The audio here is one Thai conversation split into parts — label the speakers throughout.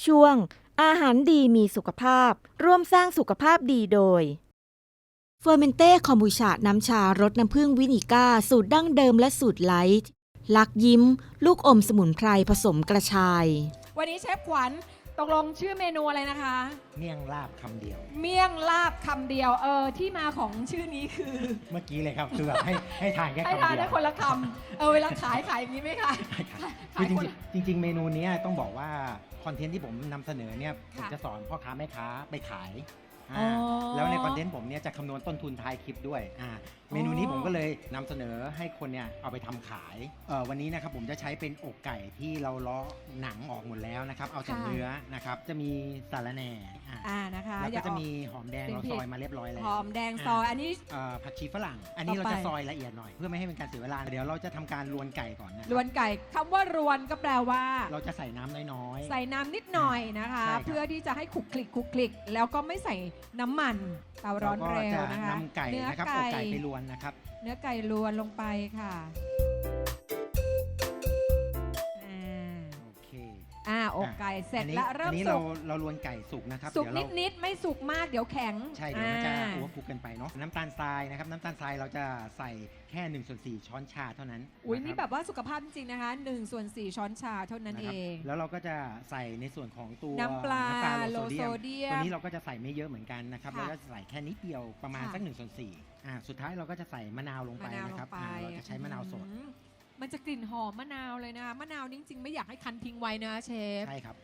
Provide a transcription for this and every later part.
Speaker 1: ช่วงอาหารดีมีสุขภาพร่วมสร้างสุขภาพดีโดยเฟอร์เมนเต้คอมบูชาน้ำชารสน้ำผึ้งวินิก้าสูตรดั้งเดิมและสูตรไลท์ลักยิ้มลูกอมสมุนไพรผสมกระชาย
Speaker 2: วันนี้เชฟขวัญตกลงชื่อเมนูอะไรนะคะ
Speaker 3: เมี่ยงลาบคำเดียว
Speaker 2: เมี่ยงลาบคำเดียวที่มาของชื่อนี้คือ
Speaker 3: เมื่อกี้เลยครับคือแบบให้ทานแค่
Speaker 2: ให้
Speaker 3: คำ
Speaker 2: ทาน
Speaker 3: เดี
Speaker 2: ได้
Speaker 3: ยว
Speaker 2: คนละคำเวลาขายอย่างนี้ไหมคะ
Speaker 3: คือ
Speaker 2: ขายคนละ
Speaker 3: จริงๆเมนูนี้ต้องบอกว่าคอนเทนต์ที่ผมนำเสนอเนี่ยผม
Speaker 2: ค่ะ
Speaker 3: จะสอนพ่อค้าแม่ค้าไปขาย
Speaker 2: อ๋อ
Speaker 3: แล้วในคอนเทนต์ผมเนี่ยจะคำนวณต้นทุนท้ายคลิปด้วยเมนูนี้ผมก็เลยนำเสนอให้คนเนี่ยเอาไปทำขายวันนี้นะครับผมจะใช้เป็นอกไก่ที่เราเลาะหนังออกหมดแล้วนะครับเอาแต่เนื้อนะครับจะมีสาระแหน่
Speaker 2: นะคะ
Speaker 3: แล้วก็จะมีหอมแดง
Speaker 2: เสียง
Speaker 3: เรา
Speaker 2: ผิด
Speaker 3: ซอยมาเรียบร้อยแล้ว
Speaker 2: หอมแดงซอยอันนี้
Speaker 3: ผักชีฝรั่ง อันนี้
Speaker 2: ต่
Speaker 3: เรา
Speaker 2: อไป
Speaker 3: จะซอยละเอียดหน่อยเพื่อไม่ให้เป็นการเสียเวลาเดี๋ยวเราจะทำการรวนไก่ก่อนนะค
Speaker 2: ร
Speaker 3: รับ
Speaker 2: วนไก่คำว่ารวนก็แปลว่า
Speaker 3: เราจะใส่น้ำน้อยๆ
Speaker 2: ใส่น้ำนิดหน่อยนะคะ
Speaker 3: ใช่ครับ
Speaker 2: เพื่อที่จะให้คลุกคลิกแล้วก็ไม่ใส่น้ำมันเตาร้อนเร็วนะคะ
Speaker 3: นำไก่นะครับอกไก่ไปรวนนะครับ
Speaker 2: เนื้อไก่รวนลงไปค่ะ
Speaker 3: โอเค
Speaker 2: อกไก่เสร็จ
Speaker 3: อันนี้
Speaker 2: แล้วเริ่ม
Speaker 3: อันนี้
Speaker 2: สุก
Speaker 3: เรารวนไก่สุกนะครับ
Speaker 2: สุก
Speaker 3: เดี๋ยวเรา
Speaker 2: นิดๆไม่สุกมากเดี๋ยวแข็ง
Speaker 3: ใช่เดี๋ยวมันจะโอเวอร์คุกเกินไปเนาะน้ำตาลทรายนะครับน้ำตาลทรายเราจะใส่แค่1/4 ช้อนชาเท่านั้น
Speaker 2: อุ้ย
Speaker 3: ะครั
Speaker 2: นี่แบบว่าสุขภาพจริงๆนะคะ1/4 ช้อนชาเท่านั้น
Speaker 3: นะ
Speaker 2: เอ
Speaker 3: ครับ
Speaker 2: ง
Speaker 3: แล้วเราก็จะใส่ในส่วนของตัว
Speaker 2: น้ำปลา
Speaker 3: โล
Speaker 2: โลโซเดียม
Speaker 3: ตัวนี้เราก็จะใส่ไม่เยอะเหมือนกันนะครับ
Speaker 2: ค่ะ
Speaker 3: เราก็จะใส่แค่นิดเดียวประมาณ
Speaker 2: ค่ะ
Speaker 3: สัก1/4สุดท้ายเราก็จะใส่มะนาวลงไป
Speaker 2: มะนาวล
Speaker 3: นะ
Speaker 2: ง
Speaker 3: ครับ
Speaker 2: ไป
Speaker 3: เราจะใช้มะนาวสด
Speaker 2: มันจะกลิ่นหอมมะนาวเลยนะคะมะนาวนี่จริงๆไม่อยากให้คั้นทิ้งไว้นะเชฟ
Speaker 3: ใช่ครับ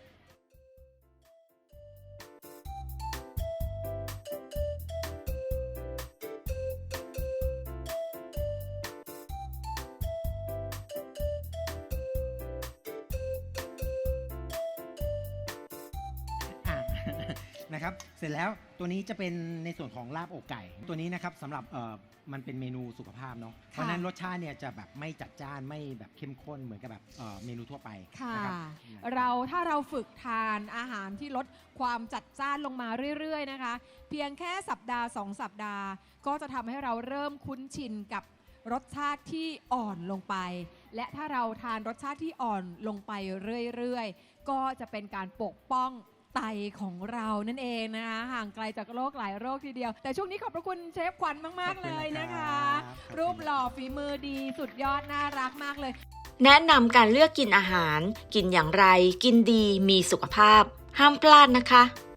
Speaker 3: อ่ะ นะครับเสร็จแล้วตัวนี้จะเป็นในส่วนของลาบอกไก่ ตัวนี้นะครับสำหรับมันเป็นเมนูสุขภาพเนาะเพราะฉะนั้นรสชาติเนี่ยจะแบบไม่จัดจ้านไม่แบบเข้มข้นเหมือนกับแบบเมนูทั่วไป
Speaker 2: ค่ะ
Speaker 3: นะครับ
Speaker 2: ถ้าเราฝึกทานอาหารที่ลดความจัดจ้านลงมาเรื่อยๆนะคะ เพียงแค่สัปดาห์2 สัปดาห์ ก็จะทำให้เราเริ่มคุ้นชินกับรสชาติที่อ่อนลงไป และถ้าเราทานรสชาติที่อ่อนลงไปเรื่อยๆก็จะเป็นการปกป้องไตของเรานั่นเองนะคะห่างไกลจากโรคหลายโรคทีเดียว แต่ช่วงนี้ขอบพระคุณเชฟขวัญมากๆเลยนะคะ รูปหล่อฝีมือดีสุดยอดน่ารักมากเลย
Speaker 1: แนะนำการเลือกกินอาหาร กินอย่างไร กินดีมีสุขภาพ ห้ามพลาดนะคะ